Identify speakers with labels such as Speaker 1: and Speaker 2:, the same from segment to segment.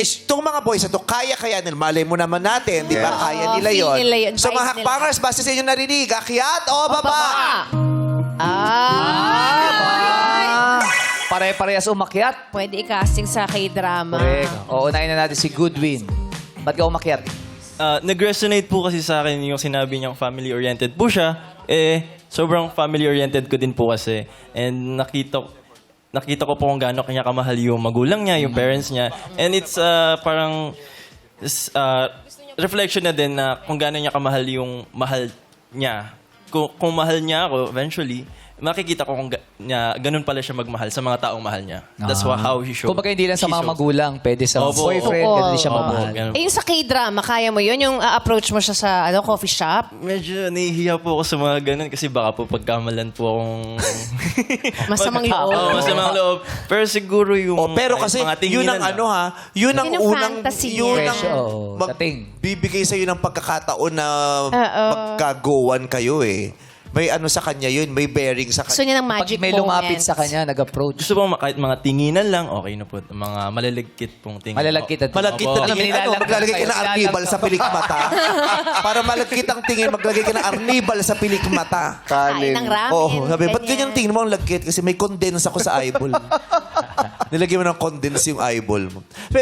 Speaker 1: Itong mga boys na to, kaya nila. Malay mo naman natin, di ba? Kaya nila
Speaker 2: feel
Speaker 1: yon.
Speaker 2: nila yun,
Speaker 1: So
Speaker 2: vibe
Speaker 1: mga
Speaker 2: nila.
Speaker 1: hakbangers, basta sa inyo narinig, akyat o baba?
Speaker 3: Pare-parehas umakyat.
Speaker 2: Pwede i-casting sa K-drama.
Speaker 3: Correct. O, unahin na natin si Goodwin. Ba't ka umakyat?
Speaker 4: Nag-resonate po kasi sa akin yung sinabi niyang family-oriented po siya. Sobrang family-oriented ko din po kasi. And nakita ko po kung gaano kanya kamahal yung magulang niya, yung parents niya. And it's parang reflection na din na kung gaano niya kamahal yung mahal niya. Kung mahal niya ako, eventually, makikita ko kung ganun pala siya magmahal sa mga taong mahal niya. That's how he showed.
Speaker 3: Kung hindi lang sa
Speaker 4: he
Speaker 3: mga
Speaker 4: showed.
Speaker 3: magulang, pwede sa
Speaker 4: Opo.
Speaker 3: boyfriend,
Speaker 2: Oo.
Speaker 3: ganun din siya
Speaker 4: Opo,
Speaker 3: mamahal.
Speaker 4: ganun.
Speaker 2: Yung sa K-drama, kaya mo yun? Yung approach mo siya sa coffee shop?
Speaker 4: Medyo nahihiya po ako sa mga ganun kasi baka po pagkamalan po akong...
Speaker 2: Masamang loob.
Speaker 4: Oo, masamang loob. Pero siguro yung...
Speaker 1: Pero kasi,
Speaker 4: mga
Speaker 1: yun
Speaker 4: tinginan
Speaker 1: ang
Speaker 4: lang.
Speaker 1: yun ang
Speaker 2: Yun ang
Speaker 1: unang,
Speaker 2: fantasy
Speaker 1: yun
Speaker 2: niya.
Speaker 1: ang
Speaker 3: Presyo, dating.
Speaker 1: bibigay sa'yo ng pagkakataon na magkagowan kayo eh. May ano sa kanya yun, may bearing sa
Speaker 2: Gusto
Speaker 1: kanya.
Speaker 2: niya ng
Speaker 3: Pag
Speaker 2: magic
Speaker 3: may
Speaker 2: moments.
Speaker 3: lumapit sa kanya, nag-approach.
Speaker 4: Gusto po kahit mga tinginan lang, okay na po. Mga malaligkit pong tingin.
Speaker 3: Malalagkit at
Speaker 1: Malagkit na
Speaker 4: Opo.
Speaker 1: tingin. Ano, maglalagay ka ng arnibal sa pilikmata? Para malagkit ang tingin, maglagay ka ng arnibal sa pilikmata.
Speaker 2: Kain ng ramen.
Speaker 1: Oo, sabi, ba't
Speaker 2: ganyan.
Speaker 1: ganyan tingin mo ang lagkit? Kasi may condense ako sa eyeball. Nilagyan mo ng condense yung eyeball mo.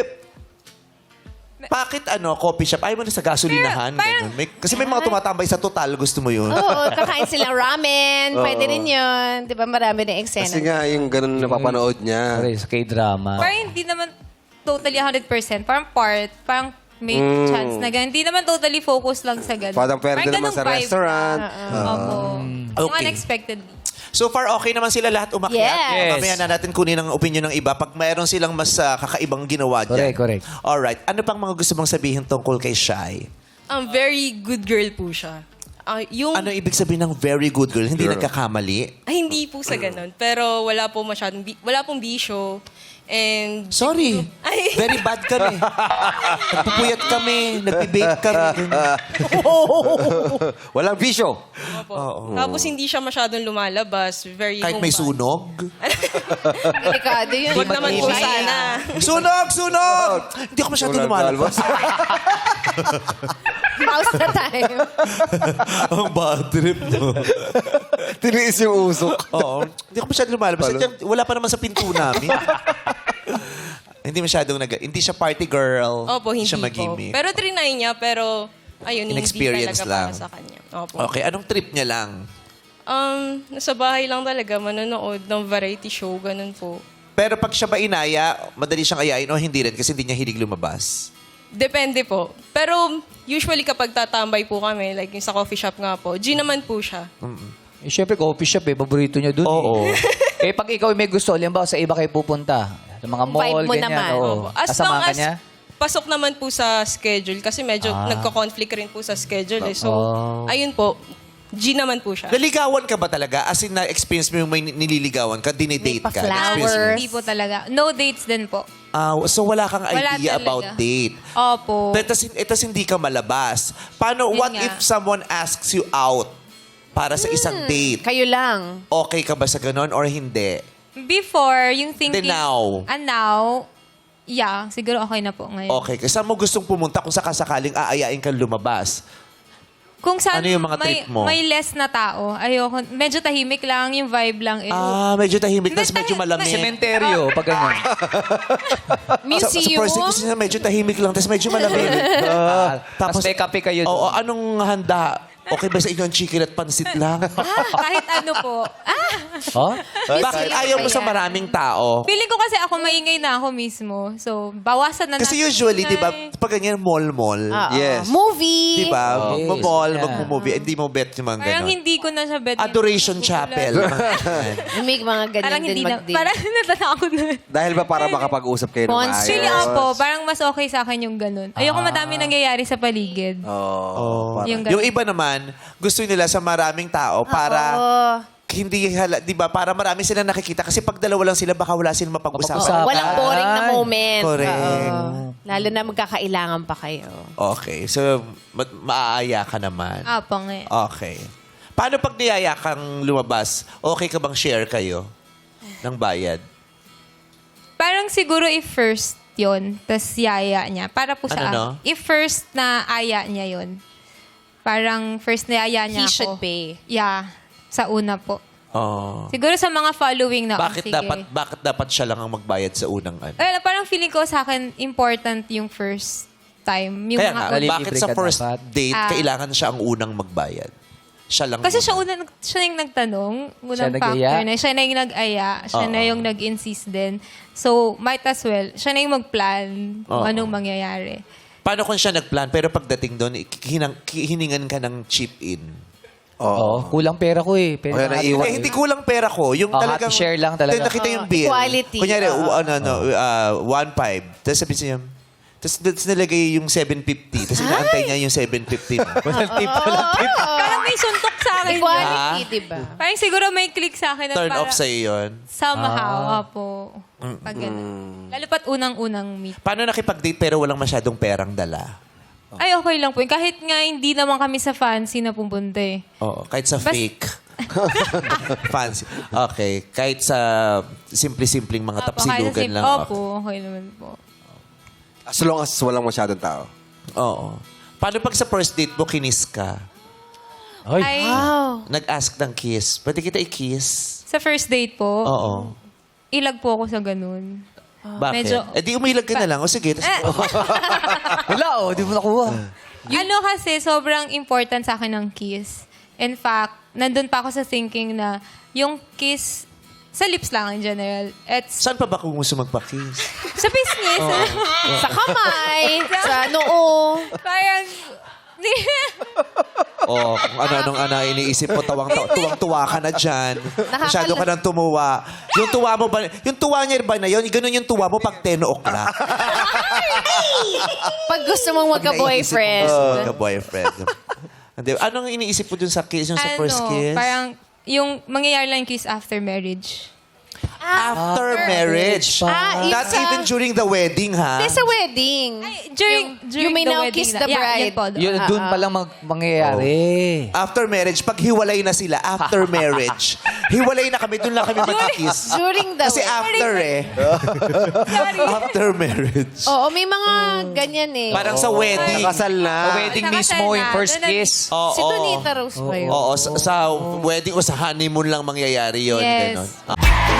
Speaker 1: Bakit coffee shop? Ayaw mo na sa gasolinahan. ganun. Kasi may mga tumatambay sa total, gusto mo yun.
Speaker 2: Oo, kakain silang ramen. Pwede rin yun. Di ba marami na eksena.
Speaker 5: Kasi nga, yung ganun napapanood niya.
Speaker 3: Correct, sa K-drama.
Speaker 6: Parang hindi naman totally 100%. Parang may chance na ganun. Hindi naman totally focus lang sa ganun.
Speaker 5: Parang pwede naman
Speaker 6: ganung
Speaker 5: sa
Speaker 6: vibe.
Speaker 5: restaurant.
Speaker 6: Opo. Yung
Speaker 1: Okay.
Speaker 6: unexpectedly.
Speaker 1: So far, okay naman sila lahat umakyat.
Speaker 2: Yes.
Speaker 1: Mamaya na natin kunin ang opinion ng iba pag mayroon silang mas kakaibang ginawa dyan.
Speaker 3: Correct.
Speaker 1: Alright. Ano pang mga gusto mong sabihin tungkol kay Shai?
Speaker 7: Very good girl po siya. Yung
Speaker 1: Ano ibig sabihin ng very good girl? Hindi nagkakamali?
Speaker 7: hindi po sa ganun, pero wala po masyadong wala pong bisyo. And
Speaker 1: Sorry.
Speaker 7: Ay.
Speaker 1: Very bad kami. Nagpupuyat kami. Nagbe-bake kami.
Speaker 5: Walang bisyo.
Speaker 7: tapos hindi siya masyadong lumalabas, very
Speaker 1: Kahit may
Speaker 7: homebody.
Speaker 1: sunog.
Speaker 2: Delikado yun.
Speaker 7: Wag naman po sana.
Speaker 1: Sunog! Sunog! Hindi ako masyadong lumalabas.
Speaker 2: Pause na tayo.
Speaker 1: Ang bad trip, no?
Speaker 5: Tiniis yung usok.
Speaker 1: Oo. Hindi ako masyadong lumalabas. At wala pa naman sa pinto namin. Hindi masyadong hindi siya party girl.
Speaker 7: Opo, hindi
Speaker 1: siya
Speaker 7: po.
Speaker 1: magimik.
Speaker 7: Pero trinay niya, pero ayun, hindi
Speaker 1: Inexperience
Speaker 7: talaga
Speaker 1: lang.
Speaker 7: para sa kanya. Opo.
Speaker 1: Okay, anong trip niya lang?
Speaker 7: Nasa bahay lang talaga, manonood ng variety show, ganun po.
Speaker 1: Pero pag siya ba inaya, madali siyang ayain o hindi rin kasi hindi niya hilig lumabas?
Speaker 7: Depende po. Pero usually kapag tatambay po kami, like yung sa coffee shop nga po, G naman po siya.
Speaker 3: Eh, syempre, coffee shop paborito niya dun.
Speaker 1: Oo.
Speaker 3: Eh, pag ikaw may gusto, halimbawa sa iba kayo pupunta. Sa mga mall,
Speaker 2: Vibe mo
Speaker 3: ganyan.
Speaker 2: naman.
Speaker 3: Oo.
Speaker 7: Opo. As
Speaker 3: Kasama
Speaker 7: long
Speaker 3: ka
Speaker 7: as
Speaker 3: niya?
Speaker 7: pasok naman po sa schedule kasi medyo nagko-conflict rin po sa schedule. So, ayun po, G naman po siya.
Speaker 1: Naligawan ka ba talaga? As in, na-experience mo yung may nililigawan ka, dinidate ka?
Speaker 2: Pa-flowers.
Speaker 1: Na-experience mo?
Speaker 6: Hindi po talaga. No dates din po.
Speaker 1: So wala kang
Speaker 6: Wala
Speaker 1: idea
Speaker 6: talaga.
Speaker 1: about date.
Speaker 6: Opo.
Speaker 1: Etas hindi ka malabas. Paano,
Speaker 6: Yun
Speaker 1: what
Speaker 6: nga.
Speaker 1: if someone asks you out para sa isang date?
Speaker 2: Kayo lang.
Speaker 1: Okay ka ba sa ganon or hindi?
Speaker 6: Before, yung thinking...
Speaker 1: Then now?
Speaker 6: And now, yeah, siguro okay na po ngayon.
Speaker 1: Okay. Kasi saan mo gustong pumunta kung sakasakaling aayain kang lumabas?
Speaker 6: Kung saan
Speaker 1: Ano yung mga trip mo?
Speaker 6: may less na tao, ayoko. Medyo tahimik lang, yung vibe lang.
Speaker 1: Medyo tahimik, tapos
Speaker 6: Hindi,
Speaker 1: medyo malamig.
Speaker 3: Sementeryo, pag ganyan.
Speaker 1: Sa
Speaker 2: Museum.
Speaker 1: first date kasi medyo tahimik lang, tapos medyo malamig.
Speaker 3: Tapos may kape kayo doon.
Speaker 1: Oo, anong handa? Okay ba sa inyo ang chicken at pansit lang?
Speaker 6: Kahit ano po.
Speaker 3: Oh?
Speaker 1: Bakit ayaw mo sa maraming tao?
Speaker 6: Feeling ko kasi ako maingay na ako mismo. So, bawasan na
Speaker 1: Kasi
Speaker 6: natin
Speaker 1: usually,
Speaker 6: yung
Speaker 1: di ba,
Speaker 6: ingay.
Speaker 1: pag ganyan mall-mall,
Speaker 5: Yes.
Speaker 2: Movie.
Speaker 1: di ba,
Speaker 3: Yes,
Speaker 1: magmo-mall,
Speaker 3: yeah.
Speaker 1: magmo-movie, hindi mo bet yung mga
Speaker 6: Parang
Speaker 1: ganon.
Speaker 6: hindi ko na siya bet.
Speaker 1: Adoration Chapel.
Speaker 2: May mga ganyan
Speaker 6: Parang
Speaker 2: din
Speaker 6: hindi na.
Speaker 2: mag-date.
Speaker 6: Parang natatakot na.
Speaker 5: Dahil ba para makapag-usap kayo ng
Speaker 2: Monster.
Speaker 5: maayos?
Speaker 6: Actually, opo. Parang mas okay sa akin yung ganun. Ayoko madami nangyayari sa paligid.
Speaker 1: Oh.
Speaker 6: Yung
Speaker 1: Yung
Speaker 6: ganun.
Speaker 1: iba naman, gusto nila sa maraming tao para hindi di ba, para marami silang nakikita kasi pag dalawa lang sila baka wala silang mapag-usapan.
Speaker 3: Mapag-usapan.
Speaker 2: Walang boring na moment.
Speaker 1: Correct.
Speaker 2: Oo. Lalo na magkakailangan pa kayo.
Speaker 1: Okay. So, maaaya ka naman.
Speaker 6: Apo nga.
Speaker 1: Okay. Paano pag niyaya kang lumabas, okay ka bang share kayo ng bayad?
Speaker 6: Parang siguro if first yon, tas yaya niya. Para po sa
Speaker 1: Ano, no?
Speaker 6: if first na aya niya yon, parang first na aya niya
Speaker 2: He should
Speaker 6: ako.
Speaker 2: pay.
Speaker 6: Yeah, sa una po.
Speaker 1: Oh.
Speaker 6: Siguro sa mga following na,
Speaker 1: Bakit
Speaker 6: sige.
Speaker 1: dapat siya lang ang magbayad sa unang ano?
Speaker 6: Parang feeling ko sa akin, important yung first time. Yung
Speaker 1: Kaya
Speaker 6: mga
Speaker 1: nga,
Speaker 3: Nalilibre
Speaker 1: bakit sa
Speaker 3: ka
Speaker 1: first
Speaker 3: dapat.
Speaker 1: date, kailangan siya ang unang magbayad? Siya lang.
Speaker 6: Kasi
Speaker 1: muna.
Speaker 6: siya yung nagtanong, unang
Speaker 3: nag-aya?
Speaker 6: factor na, siya na yung nag-aya, siya na yung nag-insist din. So, might as well, siya na yung mag-plan kung
Speaker 1: Oo.
Speaker 6: anong mangyayari.
Speaker 1: Paano kung siya nagplan, pero pagdating doon, hiningan ka ng chip-in?
Speaker 3: Oo. Kulang pera ko eh. Pera
Speaker 5: Kaya
Speaker 3: na
Speaker 5: naiwan.
Speaker 1: Eh, hindi kulang pera ko. Yung
Speaker 3: Oh,
Speaker 1: talagang...
Speaker 3: happy share lang talaga.
Speaker 1: Nakita yung bill.
Speaker 2: Equality.
Speaker 1: Kunyari, 1.5. Tapos sabi niya, tapos nilagay yung 750. Tapos inaantay niya yung 750 mo.
Speaker 3: Walang tip, walang tip.
Speaker 6: Parang may suntok sa akin.
Speaker 2: Equality, di ba?
Speaker 6: Parang siguro may click sa akin.
Speaker 1: Turn off sa'yo yun.
Speaker 6: Somehow, po. Pag ganun. Lalo pat unang-unang meet.
Speaker 1: Paano nakipag-date pero walang masyadong perang dala?
Speaker 6: Ay, okay lang po. Kahit nga hindi naman kami sa fancy na pumunta eh.
Speaker 1: Oo, kahit sa
Speaker 6: Bas-
Speaker 1: fake. Fancy. Okay. Kahit sa simple-simpleng mga tapsilugan lang. Okay.
Speaker 6: Opo, okay naman po.
Speaker 5: As long as walang masyadong tao.
Speaker 1: Oo. Paano pag sa first date mo, kinis ka?
Speaker 6: Ay,
Speaker 2: Wow.
Speaker 1: Nag-ask ng kiss. Pwede kita i-kiss?
Speaker 6: sa first date po,
Speaker 1: Oo.
Speaker 6: ilag po ako sa ganun.
Speaker 1: Bakit?
Speaker 6: Medyo-
Speaker 1: Eh di umilag ka na lang. O sige. Tas,
Speaker 3: Wala oh, di mo nakuha.
Speaker 6: Ano kasi, sobrang important sa akin ng kiss. In fact, nandun pa ako sa thinking na yung kiss, sa lips lang in general. It's
Speaker 1: saan pa ba kung gusto magpa-kiss?
Speaker 6: sa business.
Speaker 2: Sa kamay, sa noo.
Speaker 6: Parang,
Speaker 1: O kung ano-anong iniisip mo, tuwang-tuwa ka na dyan. Masyado ka nang tumuwa. Yung tuwa mo ba, yung tuwa niya ba na yun? Ganun yung tuwa mo pag 10 o'clock.
Speaker 2: Pag gusto mong magka-boyfriend.
Speaker 1: Magka-boyfriend. Hindi, anong iniisip mo dun sa kiss, yung sa first kiss?
Speaker 6: parang, yung mangyayari lang yung kiss after marriage.
Speaker 1: After marriage. Not
Speaker 2: it's
Speaker 1: even during the wedding, ha?
Speaker 2: Sa wedding.
Speaker 6: During
Speaker 2: you may
Speaker 6: the
Speaker 2: now
Speaker 6: wedding
Speaker 2: kiss
Speaker 6: na-
Speaker 2: the
Speaker 6: Yeah,
Speaker 2: bride.
Speaker 6: yun po.
Speaker 3: Yun, doon pa lang mangyayari.
Speaker 1: After marriage, pag hiwalay na sila, after marriage, hiwalay na kami, doon lang kami mag-kiss.
Speaker 2: During the
Speaker 1: Kasi after eh. After marriage.
Speaker 2: Oo, may mga ganyan eh.
Speaker 1: Parang sa wedding.
Speaker 5: Nakasal na.
Speaker 3: Sa wedding
Speaker 6: Nakasal
Speaker 3: mismo,
Speaker 6: na.
Speaker 3: yung first
Speaker 6: Doon na-
Speaker 3: kiss.
Speaker 1: Oo.
Speaker 2: Si Donita Rose ba yun?
Speaker 1: Oo, sa wedding o sa honeymoon lang mangyayari yun.
Speaker 6: Yes.
Speaker 1: Ganon.